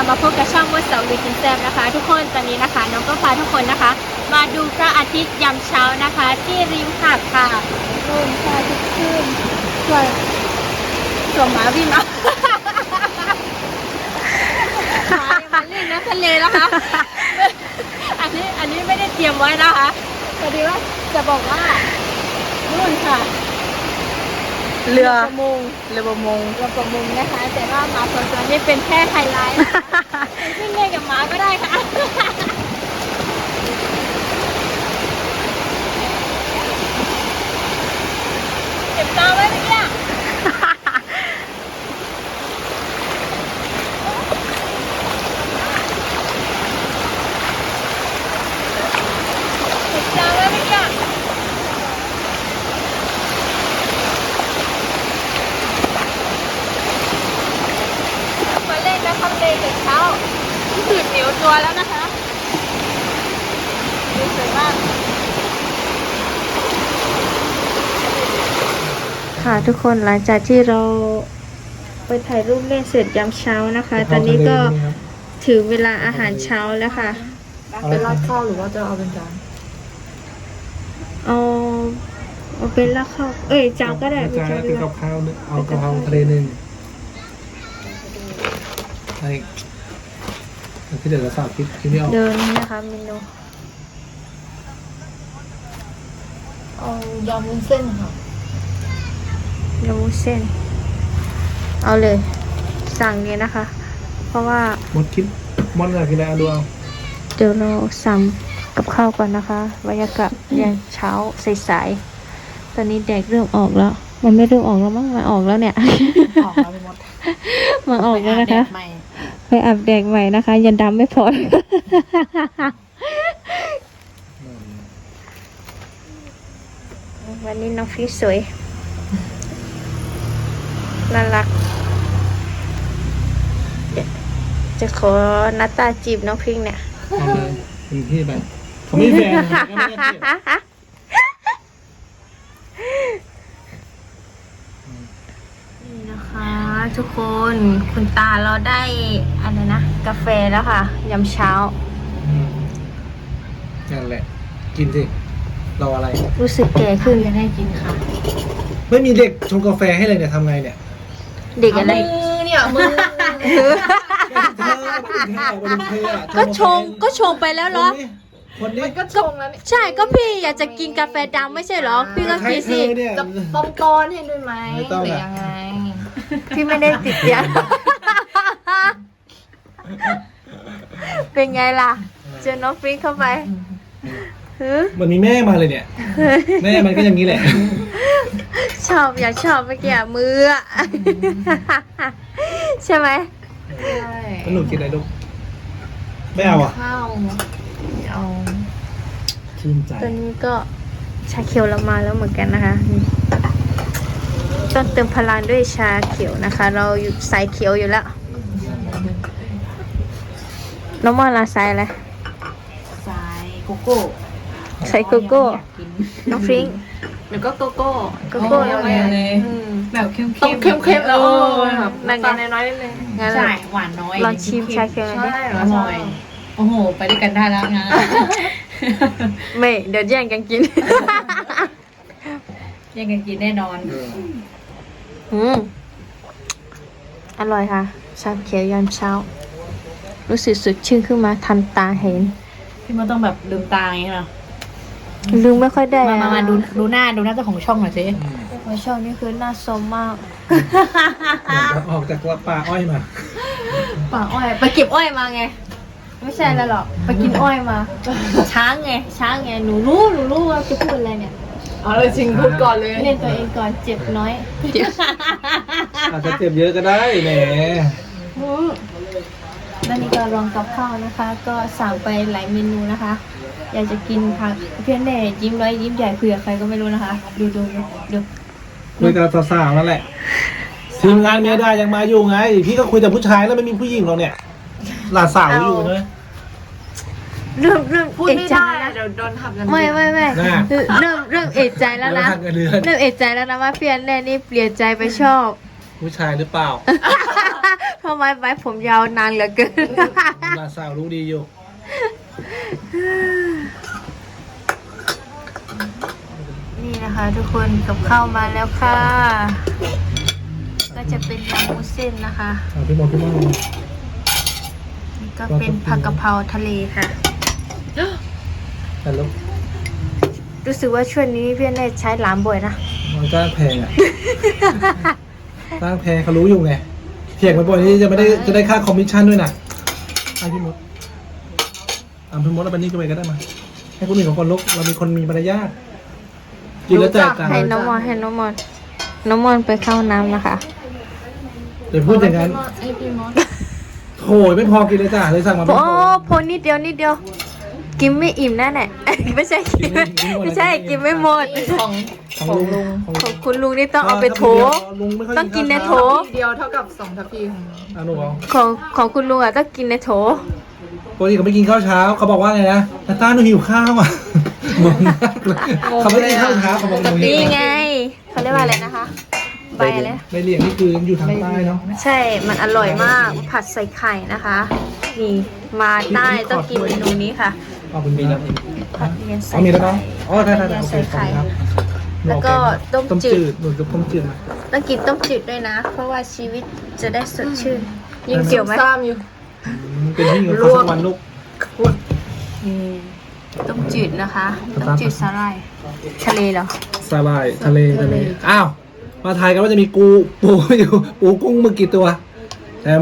มาพบกับช่องมดเสาวีกินแซมนะคะทุกคนตอนนี้นะคะน้องก็พาทุกคนนะคะมาดูพระอาทิตย์ยามเช้านะคะที่ริมหาดค่ะลมพระอาทิตย์ขึ้นส่วนหมาวิ่งมามาเล่นน้ำทะเลนะคะอันนี้ไม่ได้เตรียมไว้นะคะพอดีว่าจะบอกว่านู่นค่ะเรือประมงนะคะแต่ว่าหมาสองตัวนี้เป็นแค่ไฮไลท์ขึ้นเล่นกับหมาก็ได้ค่ะเก็บตาไว้เมื่อกี้เก็บตาไว้เมื่อกี้ทำเลยแต่เช้าตื่นเหนียวตัวแล้วนะคะดูสวยมากค่ะทุกคนหลังจากที่เราไปถ่ายรูปเล่นเสร็จยามเช้านะคะตอนนี้ก็ถึงเวลาอาหารเช้าแล้วค่ะเป็นราดข้าวหรือว่าจะเอาเป็นจานเอาเป็นราดข้าวจานก็ได้เป็นกับข้าวนึงเอากะเพราทะเลนึงใช่ที่เดี๋ยวเราสาธิตที่นี่เอาเดินนะคะเมนูเอายำวุ้นเส้นค่ะยำวุ้นเส้นเอาเลยสั่งเลยนะคะเพราะว่าหมดคิดมอนอะไรกินอะไรดูเอาเดี๋ยวเราสั่งกับข้าวก่อนนะคะบรรยากาศยามเช้าสายๆตอนนี้แดดเริ่มออกแล้วมันไม่เริ่มออกแล้วมั้งมันออกแล้วเนี่ยออกแล้วไปหมดมันออกแล้วนะคะไปอาบแดดใหม่นะคะยันดำไม่พอวันนี้น้องฟิวสวยน่ารักจะขอนัตตาจีบน้องพิงเนี่ยเอาเลยเป็นที่ไปเขาไม่แฟนนี่นะคะทุกคนคุณตาเราได้อะไรนะกาแฟแล้วค่ะยามเช้านั่นแหละกินสิรออะไรรู้สึกแก่ขึ้นจะได้กินค่ะไม่มีเด็กชงกาแฟให้เลยเนี่ยทำไงเนี่ยเด็กอะไรมือก็ชงไปแล้วเหรอคนนี้ก็ชงแล้วใช่ก็พี่อยากจะกินกาแฟดำไม่ใช่เหรอพี่ก็กินสิจะต้มก้อนให้ด้วยไหมหรือยังไงพี่ไม่ได้ติดยาเป็นไงล่ะเจอน้องฟรีเข้าไปมันมีแม่มาเลยเนี่ยแม่มันก็อย่างนี้แหละอยากชอบเมื่อกี้มือใช่ไหมใช่หนูกินอะไรลูกไม่เอาอ่ะข้าวเอาชื่นใจตอนนี้ก็ชาเขียวเรามาแล้วเหมือนกันนะคะต้องเติมพลังด้วยชาเขียวนะคะเราอยู่สายเขียวอยู่แล้วน้องมอลาสายอะไรสายโกโก้ใส่โกโก้น้องฟริ้งเดี๋ยวก็โกโก้แล้วไงแบบเข้มๆแล้วนั่งกันน้อยๆนิดนึงใช่หวานน้อยลองชิมชาเขียวหน่อยอร่อยโอ้โหไปด้วยกันได้แล้วนะไม่เดี๋ยวแย่งกันกินแย่งกันกินแน่นอนอร่อยค่ะชาเขียวยามเช้ารู้สึกสดชื่นขึ้นมาทันตาเห็นพี่มันต้องแบบลืมตาอย่างนี้เหรอลืมไม่ค่อยได้มาดูหน้าเจ้าของช่องหน่อยสิของช่องนี่คือหน้าสมมากออกจากป่าอ้อยมาป่าอ้อยไปเก็บอ้อยมาไงไม่ใช่แล้วหรอกไปกินอ้อยมาช้างไงหนูรู้ว่าจะพูดอะไรเนี่ยเอาเลยจริงพูดก่อนเลยเล่นตัวเองก่อนเจ็บน้อยอาจจะเจ็บเยอะก็ได้แหมแล้วนี่ก็ลองกับข้าวนะคะ ก็สั่งไปหลายเมนูนะคะอยากจะกินค่ะเพื่อนแน่ยิ้มน้อยยิ้มใหญ่คุยกับใครก็ไม่รู้นะคะดูคุยกับสาวๆนั่นแหละทีมงานเมียได้ยังมาอยู่ไงพี่ก็คุยแต่ผู้ชายแล้วไม่มีผู้หญิงหรอกเนี่ยหลานสาวอยู่ใช่ไหมเริ่มพูดไม่ได้เดี๋ยวโดนทำกันไม่เริ่มเอกใจแล้วนะเริ่มเอกใจแล้วนะว่าเพื่อนแน่นี่เปลี่ยนใจไปชอบผู้ชายหรือเปล่าทำไมไว้ผมยาวนานเหลือเกินหลานสาวรู้ดีอยู่นี่นะคะทุกคนกับข้าวมาแล้วค่ะ ก็จะเป็นยำวุ้นเส้นนะคะพี่มอนนี่ก็เป็นผักกะเพราทะเลค่ะแต่ลูกรู้สึกว่าช่วงนี้พี่เนตใช้หลามบ่อยนะมันจ้างแพงอ่ะ จ้างแพงเขารู้อยู่ไงเถียงบ่อยๆนี่จะได้ค่าคอมมิชชั่นด้วยนะให้พี่มดพี่มดเอาไปนี่ก็ไปก็ได้มา ให้คนอื่นของคนลุกเรามีคนมีมารยาทกินแล้วแจกกันให้น้องมอนน้องมอนไปเข้าน้ำนะคะเดี๋ยวพูดอย่างนั้นโหยไม่พอกินเลยจ้ะเลยสั่งมาไม่โอ้พอพอนิดเดียวกินไม่อิ่มแน่แน่ ไม่ใช่กินไม่ใช่กินไม่หมดของลุงของคุณลุงนี่ต้องเอาไปโถลุงไม่ค่อยต้องกินในโถเดียวเท่ากับ2 ทัพพีของหนูเอาของคุณลุงอ่ะต้องกินในโถปกติเขาไม่กินข้าวเช้าเขาบอกว่าไงนะนาต้าหนูหิวข้าวอ่ะงงมากเลยเขาไม่กินข้าวเช้าเขาบอกหนูหิวนี่ไงเขาเรียกว่าอะไรนะคะใบอะไรใบเหลียงนี่คืออยู่ทางใต้เนาะใช่ มันอร่อยมาก ผัดใส่ไข่นะคะ นี่ มาใต้ต้องกินเมนูนี้ค่ะเอาเป็นมีแล้วผัดเรียนใส่เอามีแล้วไข่เนาะอ๋อได้ผัดเรียนโอเคใส่ขอบไข่คุณครับแล้วก็ต้มต้มจืจืดดหนูจะต้มจืดมาต้องกินต้มจืดด้วยนะ เพราะว่าชีวิตจะได้สดชื่นยิ่งเกี่ยวไหมซ้ำอยู่เป็นที่อยู่ข้าวสักวันลูกต้มจืดนะคะ ต้มจืดสาหร่ายทะเลเหรอสาหร่ายทะเลอ้าว มาทายกันว่าจะมีปูอยู่ปูกุ้งมือกี่ตัวแถม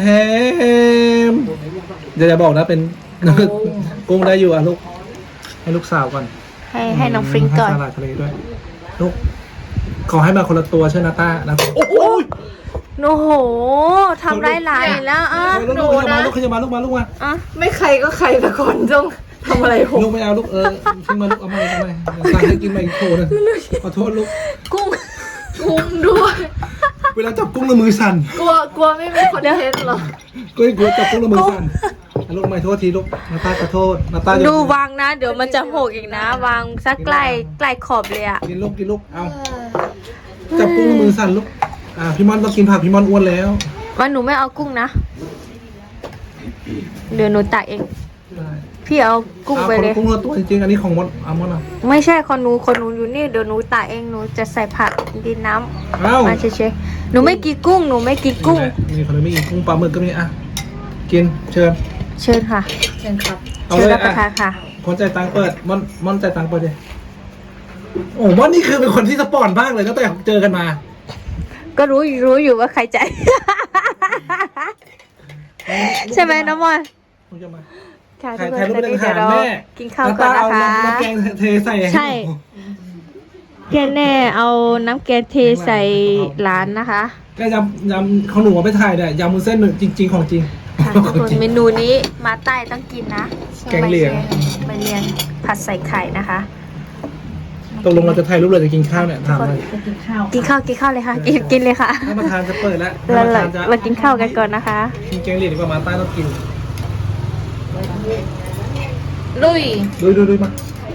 เดี๋ยวจะบอกนะเป็นกุ้งได้อยู่อ่ะลูกให้ลูกสาวก่อนให้น้องฟริงก่อนให้สาหร่ายทะเลด้วยลูกขอให้มาคนละตัวเช่นนาต้านะโอ้โหโอ้โหทำร้ายหลานอีกแล้วอ่ะลูกมาลูกมาลูกมาอ่ะไม่ใครก็ใครแต่คนต้องทำอะไรผมลูกไม่เอาลูกทิ้งมาลูกเอามาสั่งให้กินมาอีกโถนึงขอโทษลูกกุ้งกุ้งด้วยเวลาจับกุ้งแล้วมือสั่นกลัวไม่มีคอนเทนต์หรอก็กลัวจับกุ้งแล้วมือสั่นลูกไม่โทษทีลูกนาต้าขอโทษนาต้าดูวางนะ เดี๋ยวมันจะหกอีกนะ วางสักใกล้ขอบเลยอ่ะกินลูกเอาจับกุ้งแล้วมือสั่นลูกพี่มอนต้องกินผักพี่มอนอ้วนแล้วว่าหนูไม่เอากุ้งนะ เดี๋ยวหนูตักเอง พี่เอากุ้งไปเลยกุ้งละตัวจริงๆอันนี้ของมอนเอามอนอ่ะไม่ใช่คนหนูอยู่นี่เดี๋ยวหนูตักเองหนูจะใส่ผักดินน้เอ้าำมาเฉยๆหนูไม่กินกุ้งหนูไม่กินกุ้งมีคนไม่กินกุ้งปลาหมึกก็มีกินเชิญเชิญค่ะเชิญครับเอาเชิญเลยรับประทานค่ะคนใจตังเปิดมอนใจตังเปิดเลยโอ้มอนนี่คือเป็นคนที่สปอร์ตมากเลยตั้งแต่เจอกันมาก็รู้อยู่ว่าใครใจาย ใช่ไหมน้องมอนคุณจะมาค่ะทุถ่าก ยคนรูปตอนเป็นนี้อาเดี๋หาย รวเราแม่กินข้าวก่อนนะคะน้ำแกงเทใส่ใช่ เพียนแน่เอาน้ำแกงเทใส่ร้านนะคะก็ยำของหนูเอาไปถ่ายเนี่ยยำมุ้นเส้นหนึ่งจริงๆของจริงค่ะทุกคนเมนูนี้มาใต้ต้องกินนะแกงเหลียงใบเลียงผัดใส่ไข่นะคะตกลงเราจะถ่ายรูปเลยจะกินข้าวเนี่ยถามเลยกินข้าวเลยค่ะกินเลยค่ะถ้ามาทานจะเปิดแล้วเรากินข้าวกันก่อนนะคะกินแกงเหลียงดีกว่ามาใต้ต้องกินลุยดูมา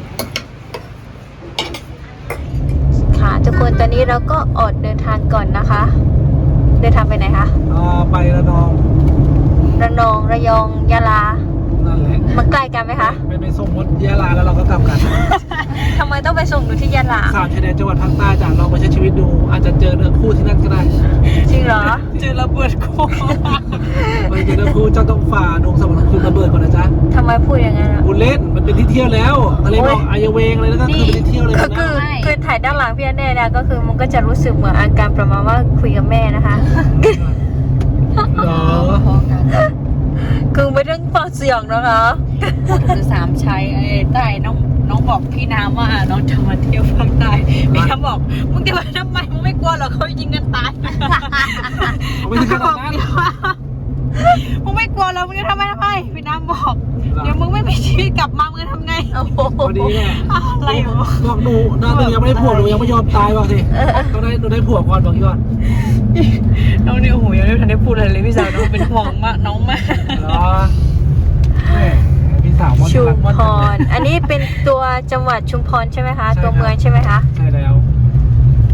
ค่ะทุกคนตอนนี้เราก็อดเดินทางก่อนนะคะ เดินทางไปไหนคะไประนองระนองระยองยะลานั่นแหละมันใกล้กันไหมคะไปส่งมดยะลาแล้วเราก็กลับกันทำไมต้องไปส่งหนูที่ยะลาสามชายแดนจังหวัดภาคใต้จากลองไปใช้ชีวิตดู อาจจะเจอเนื้อคู่ที่นั่นก็ได้จริงเหรอเจอระเบิดคู่ไปเจอเนื้อคู่เจ้าต้องฝ่าดงสวรรค์คือระเบิดก่อนนะจ๊ะทำไมพูดอย่างนั้นอะคุณเล่นมันเป็นที่เที่ยวแล้วทะเลหมอกอายเวงอะไรนั่นก็คือเป็นที่เที่ยวเลยก็นะคือถ่ายด้านหลังพี่แน่เนี่ยก็คือมันก็จะรู้สึกเหมือนอาการประมาณว่าคุยกับแม่นะคะเหรอคือไม่ต้องฟังเสียงนะคะคือ3ชัยไอ้ใต้น้องบอกพี่น้ำว่าน้องจะมาเที่ยวภาคใต้พี่น้ำบอกมึงจะมาทำไมมึงไม่กลัวหรอกเขายิงกันตายเอาไปถึงขนาดนั้นมึงไม่กลัวหรอกมึงจะทำไมพี่น้ำบอกเดี๋ยวมึงไม่มีชีวิตกลับมามึงจะทำไงโอ้โหพอดีเนี่ยอะไรวะบอกหนูน่าจะยังไม่ได้ผัวหนูยังไม่ยอมตายบอกสิต้องได้หนูได้ผัวก่อนบอกก่อนน้องนี่โอ้โหยังไม่ทันได้พูดอะไรเลยพี่สาวน้องเป็นห่วงมากน้องมากเหรอแม่พี่สาวมอนชุมรักมอนพร อันนี้เป็นตัวจังหวัดชุมพรใช่ไหมคะใช่ครับตัวเมืองใช่ไหมคะใช่แล้วอันนี้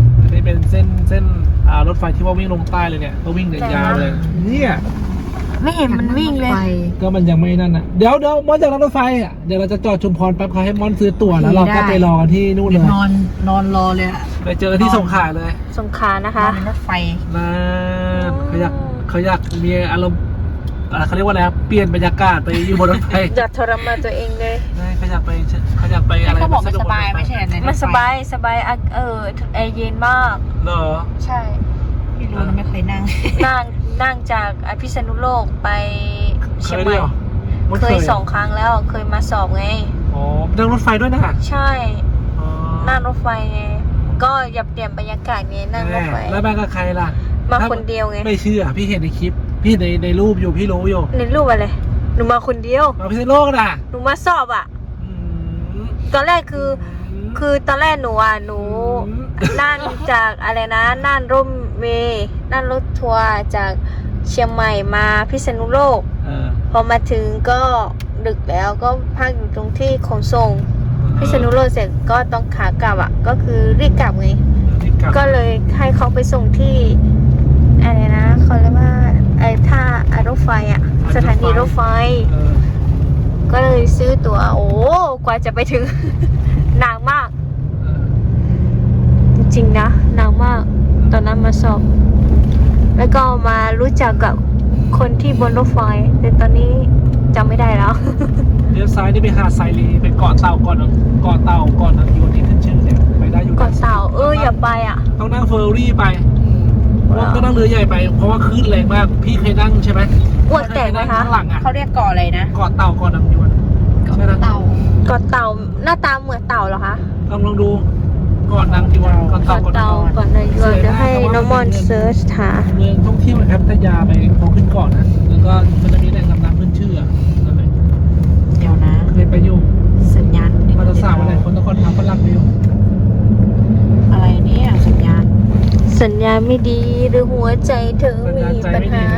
นี่เป็นเส้นรถไฟที่ว่าวิ่งลงใต้เลยเนี่ยก็วิ่งเดินยาวเลยเนี่ยไม่เห็นมันวิ่งเลยไฟก็มันยังไม่นั่นอ่ะเดี๋ยวมอนจากรถไฟอ่ะเดี๋ยวเราจะจอดชุมพรแป๊บเขาให้มอนซื้อตั๋วแล้วเราก็ไปรอกันที่นู่นเลยนอนรอเลยอะไปเจอที่สงขลาเลยสงขลานะคะนอนรถไฟนะเขาอยากมีอารมณ์เขาเรียกว่าอะไรครับเปลี่ยนบรรยากาศไปอยู่บนรถไฟอย่าทรมานตัวเองเลยเขาอยากไปอะไรเขาบอกมันสบายไม่ใช่ในรถไฟมันสบายแอร์เย็นมากเหรอใช่ไม่รู้นะไม่เคยนั่งนั่งจากพิษณุโลกไปเชียงใหม่มันเคย2 ครั้งแล้วเคยมาสอบไงอ๋อนั่งรถไฟด้วยนะใช่อ๋อนั่งรถไฟไงก็อย่าเปลี่ยนบรรยากาศไงนั่งรถไฟแล้วมากับใครล่ะมาคนเดียวไงไม่เชื่อพี่เห็นในคลิปพี่เห็นในรูปอยู่พี่รู้อยู่ในรูปอะไรหนูมาคนเดียวมาพิษณุโลกนะหนูมาสอบอ่ะอืมตอนแรกคือตอนแรกหนูนั่งจากอะไรนะนั่งร่มเมย์นั่งรถทัวร์จากเชียงใหม่มาพิษณุโลกเออพอมาถึงก็ดึกแล้วก็พักอยู่ตรงที่ขนส่งพิษณุโลกเสร็จก็ต้องขากลับอ่ะก็คือรีบกลับไง ก็เลยให้เขาไปส่งที่อะไรนะเขาเรียกว่าท่ารถไฟอ่ะสถานีรถไฟเออก็เลยซื้อตั๋วโอ้กว่าจะไปถึง นานมากเออจริงๆนะนานมากตอนนั้นมาสอบ แล้วก็มารู้จักกับคนที่บนรถไฟแต่ตอนนี้จำไม่ได้แล้วเลี้ยวซ้ายนี่ไปหาดไซรีไปเกาะเต่าก่อนนะอยู่ที่ขึ้นชื่อเนี่ยไปได้อยู่ก่อนเต่าอย่าไปอ่ะต้องนั่งเฟอร์รี่ไปก็นั่งเรือใหญ่ไปเพราะว่าคลื่นแรงมากพี่เคยนั่งใช่ไหมอ้วกแตกไหมคะข้างหลังอ่ะเขาเรียกเกาะอะไรนะเกาะเต่าก่อนนะยวนใช่นะเต่าก่อนเต่าหน้าตาเหมือนเต่าเหรอคะลองดูก่อนนางยวนเกาะก่เต่าอนก่อนเต่าก่อนนายยวนเดี๋ยวให้น้องมอนเซิร์ชหาเมืองท่องเที่ยวนะครับพัทยาไปพอขึ้นเกาะนะแล้วก็มันจะมีแหล่งดำน้ำขึ้นชื่อนั่นเลยเดี๋ยวนะเคยไปอยู่สัญญาณมาตรสาวอะไรคนนครทำฝรั่งไปอยู่อะไรเนี่ยสัญญาณสัญญาณไม่ดีหรือหัวใจเธอมีปัญหา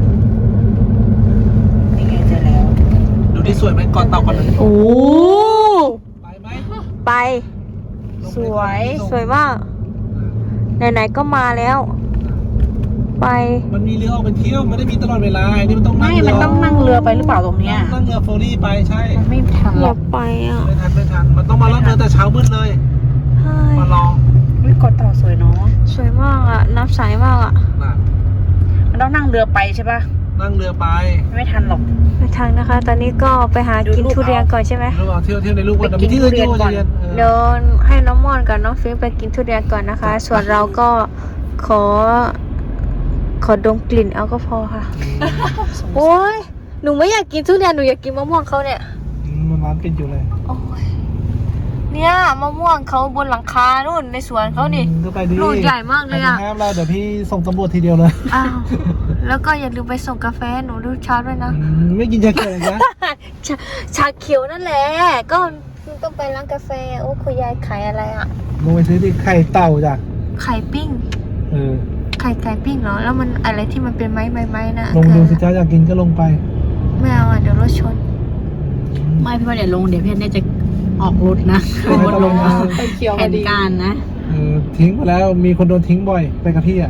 นี่ไงเจอแล้วดูที่สวยไหมเกาะเต่าก่อนนะโอ้ไปไหมไป สวยมาก ไหนๆก็มาแล้ว ไปมันมีเรือออกไปเที่ยวไม่ได้มีตลอดเวลาอันนี้มันต้องนั่ไม่งมันต้องนั่งเรือไปหรือเปล่าตรงเนี้ยนั่งเรือเฟอร์รี่ไปใช่มันไม่ทันหรออยากไปอ่ะไม่ทันมันต้องมาล่องเรือแต่เช้ามืดเลยใช่มาลองวิเกาะเต่าสวยเนาะสวยมากอ่ะ น้ำใสมากอ่ะน่ะมันต้องนั่งเรือไปใช่ปะนั่งเรือไปไม่ทันหรอกไปทางนะคะ ตอนนี้ก็ไปหากินทุเรียนก่อนใช่ไหมระหว่างเที่ยวในลูกวันไปมีกินที่อื่นอยู่ทุเรียนก่อนเย็นเดินให้น้องมอนกับน้องฟิล์มไปกินทุเรียนก่อนนะคะ ส่วนเราก็ขอดมกลิ่นเอาก็พอค่ะ โอ้ยหนูไม่อยากกินทุเรียนหนูอยากกินมะม่วงเขาเนี่ยมันร้านปิดอยู่เลยโอ้ยเนี่ยมะม่วงเขาบนหลังคานู่นในสวนเขานี่ก็ไปดีลูกใหญ่มากเลยอะห้ามเราเดี๋ยวพี่ส่งตำรวจทีเดียวเลยอ้าวแล้วก็อย่าลืมไปส่งกาแฟหนูทุกเช้าด้วยนะไม่กินชาเขียวเลยนะชาเขียวนั่นแหละก็ต้องไปร้านกาแฟโอ้คุณยายขายอะไรอ่ะลงไปซื้อที่ไข่เต่าจ้ะไข่ปิ้งเออไข่ปิ้งเหรอแล้วมันอะไรที่มันเป็นไม้นะลงดูสิคือจ้าอยากกินก็ลงไปไม่เอาอ่ะเดี๋ยวรถชนไม่พี่ว่าเดี๋ยวลงเดี๋ยวพี่แน่จะออกรถนะไม่ต้องลงมาแผนการนะทิ้งไปแล้วมีคนโดนทิ้งบ่อยไปกับพี่อ่ะ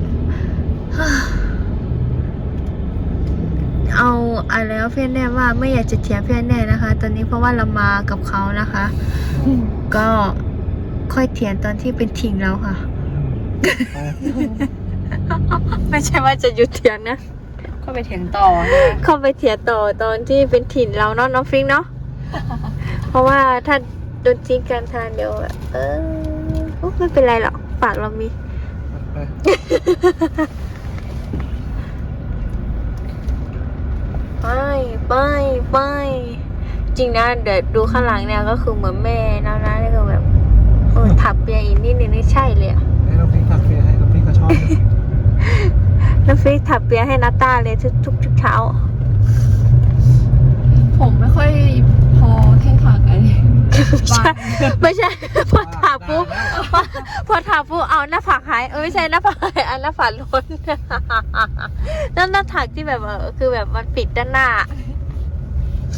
เอาอะไรแล้วเพื่อนแน่ว่าไม่อยากจะเถียงเพื่อนแน่นะคะ ตอนนี้เพราะว่าเรามากับเขานะคะ ก็ค่อยเถียงตอนที่เป็นทิ้งเราค่ะ ไม่ใช่ว่าจะหยุดเถียงนะก็ไปเถียงต่อเข้าไปเถียงต่อตอนที่เป็นถิ่นเราเนาะน้องฟิงเนาะ เพราะว่าถ้าโดนทิ้งกันทานเดียวแบบไม่เป็นไรหรอกปากเรามี ไปจริงนะเดี๋ยวดูข้างหลังเนี่ยก็คือเหมือนแม่นะนี่คือแบบถักเปียอีกนิดนึงนี่ใช่เลยอะให้น้องฟิกถักเปียให้น้องฟิกก็ชอบน้องฟิกถักเปียให้นาต้าเลยทุกเช้าผมไม่ค่อยพอแค่ขาไก่ไม่ใช่ พอถามปุ๊บเอาหน้าผากหายไม่ใช่หน้าผากหายอันหน้าผากล้น นั่นหน้าผากที่แบบคือแบบมันปิดด้านหน้า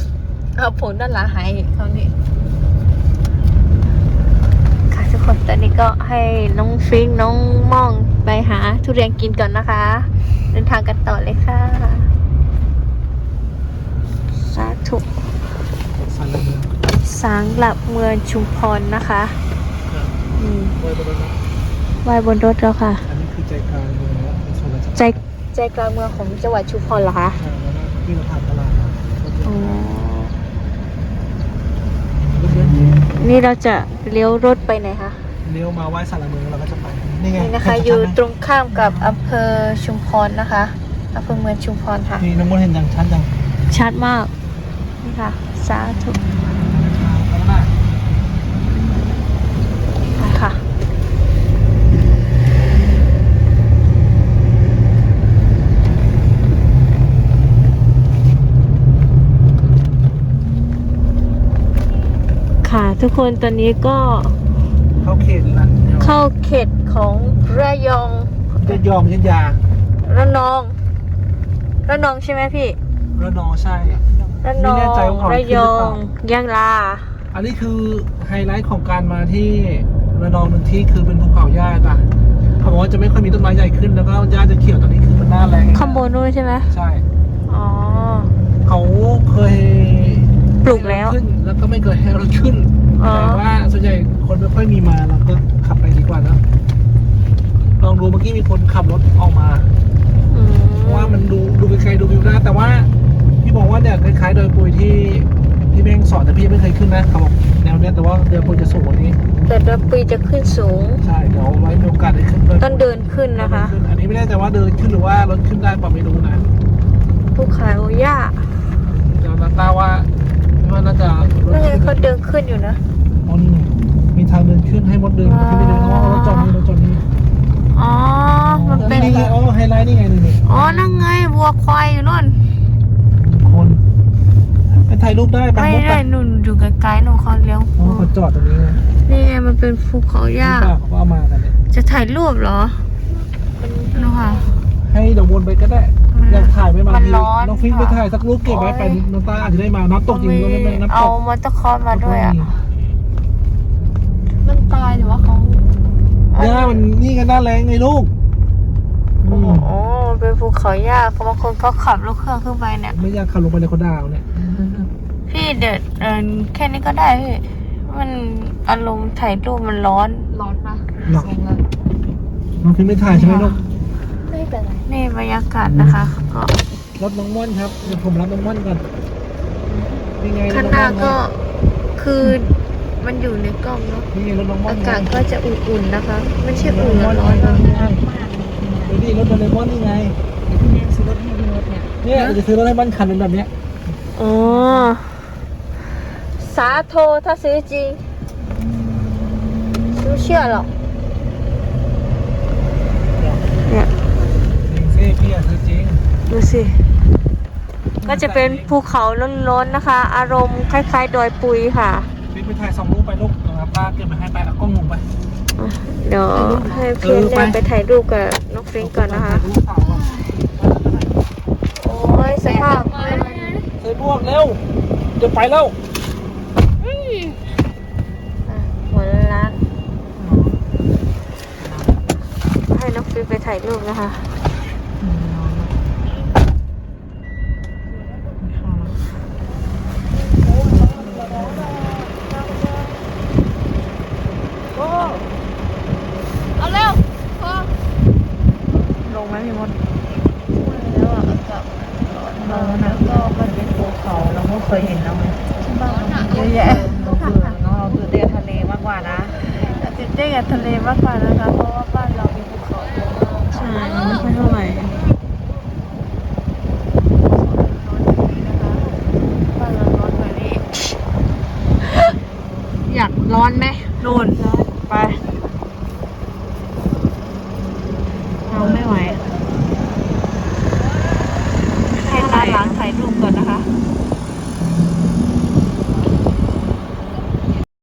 เอาผลด้านหลังหายเขานี่ค่ะทุกคนตอนนี้ก็ก็ให้น้องฟริงน้องม่องไปหาทุเรียนกินก่อนนะคะ เดินทางกันต่อเลยค่ะสาธุสันเลยสางหลับเมืองชุมพรนะคะนี่ไว้บนรถนะไหว้บนรถแล้วค่ะอันนี้คือใจกลางเมืองแล้วเป็นส่วนราชการใจกลางเมืองของจังหวัดชุมพรเหรอคะแล้วก็ที่เราผ่านตลาดมารถอ๋อเยอะนี่เราจะเลี้ยวรถไปไหนคะเลี้ยวมาไหว้สารเมืองเราก็จะไปนี่ไงนี่นะคะอยู่ตรงข้ามกับอำเภอชุมพรนะคะอำเภอเมืองชุมพรค่ะนี่น้องมดเห็นอย่างชัดจังชัดมากนี่ค่ะสาธุข้างหน้าไปค่ะค่ะทุกคนตอนนี้ก็เข้าเขตละเข้าเขตของระยองจะยอมยันยาระนองระนองใช่ไหมพี่ระนองใช่ระนอไม่แน่งใจว่าเขาระขึ้นหรืยออเปล่างยะลาอันนี้คือไฮไลท์ของการมาที่ระนองหนึ่งที่คือเป็นภูเขาหญ้าจ้ะเขาบอกว่าจะไม่ค่อยมีต้นไม้ใหญ่ขึ้นแล้วก็หญ้าจะเขียวตอนนี้คือมันหน้าแรงข้างบนนู้นใช่ไหมใช่อ๋อเขาเคยปลูกแล้วขึ้นแล้วก็ไม่เคยให้รถขึ้นอ๋อแต่ว่าส่วนใหญ่คนไม่ค่อยมีมาเราก็ขับไปดีกว่านะลองดูเมื่อกี้มีคนขับรถออกมาอืมเพราะว่ามันดูไกลๆดูวิวได้แต่ว่าพี่บอกว่าเนี่ยคล้ายๆโดยปุยที่แม่งสอนแต่พี่ไม่เคยขึ้นนะเขาบอกแนวเนี้ยแต่ว่าเดือนปุยจะสูงกว่านี้แต่ดอยปุยจะขึ้นสูงใช่เดี๋ยวไว้มีโอกาสได้ขึ้นด้วยต้องเดินขึ้นนะคะขึ้อันนี้ไม่แน่ใจว่าเดินขึ้นหรือว่ารถขึ้นได้ป่ะไม่รู้นะภูเขาหญ้าเดี๋ยวนาตาว่าน่าจะรถนั่นไงขึ้นเขาเดินขึ้นอยู่นะอ๋อนี่มีทางเดินขึ้นให้มดเดินขึ้นไม่เดินอ๋อรถจอดนี่รถจอดนี่อ๋อ มันเป็นนี่ไงอ๋อไฮไลท์นี่ไงนี่อ๋อ นั่งไงวัวควายอยู่นู่นคนไปถ่ายรูปได้ปะไม่มดได้ปะนุ่นอยู่ไกลๆหนูเขาเลี้ยวอ๋อเขาจอดตรงนี้ไงนี่ไงมันเป็นภูเขาหญ้านี่เปล่าเขาก็เอามากันเนี่ยจะถ่ายรูปเหรอนูค่ะให้เดี๋ยววนไปก็ได้ อยากถ่ายไม่มามันทีร้อนน้องฟิงไปค่ะถ่ายสักรูปเก็บไว้ไปน้องตาอาจจะได้มาน้ำตกจริงก็ไม่น้ำตเอากมอเตอร์คอร์สมาด้วยอ่ะมันตายหรือว่าเขาเนี่ยมันนี่กันหน้าแรงไงลูกอืมโอ้เป็นภูเขาหญ้าบางคนเขาขับรถเครื่องขึ้นไปเนี่ยไม่อยากขับลงไปในคนดาวเนี่ยพี่เดินแค่นี้ก็ได้พี่ มันอารมณ์ถ่ายรูปมันร้อนร้อนปะหรอกทรงแล้วน้องฟิงไม่ถ่ายใช่ไหมลูกไม่เป็นไรนี่บรรยากาศนะคะก็รถน้องม่อนครับเดี๋ยวผมรับน้องม่อนก่อนนี่ไงรถข้างน้องหน้าม่อนก็คือมันอยู่ในกล้องเนาะนี่ไงรถน้องม่อนอากาศก็จะอุ่นๆนะคะ ไม่ใช่รถอุ่นน้องม่อนร้อนนี่ๆไงนะเดี๋ยวนี่รถโดเรมอนนี่ไงพี่แม่ซื้อรถให้พี่มดเนี่ยเนี่ยเราจะซื้อรถให้บ้านคันเป็นแบบเนี้ยอ๋อสาโทถ้าซื้อจริงไม่เชื่อหรอกเนี่ยจริงสิพี่อะซื้อจริงดูสิ ก็จะเป็นภูเขาล้นๆนะคะ อารมณ์คล้ายๆดอยปุยค่ะฟิงไปถ่าย2 รูปไปลูกนะครับป้าเก็บมาให้ไปเอากล้องลงไปเดี๋ยวให้เพื่อนเนี่ยไปถ่ายรูปกับน้องฟริงก่อนนะคะถ่ายรูปสาวก่อนโอ้ยสภาพใส่บวกเร็วเดี๋ยวไปแล้วหัวล้านให้น้องฟริงไปถ่ายรูปนะคะเอาเร็วพอลงไหมพี่มดแล้วอ่ะอากาศเรานะก็มันเป็นภูเขาเราก็เคยเห็นแล้วไงร้อนอ่ะเยอะแยะเราเบื่อเนาะเราเบื่อเดินทะเลมากกว่านะติดได้กับทะเลมากกว่านะคะ เพราะว่าบ้านเรามีภูเขาเยอะมากใช่ไม่ค่อยเท่าไหร่บ้านเราร้อนกว่านี้อยากร้อนไหมนู่นไป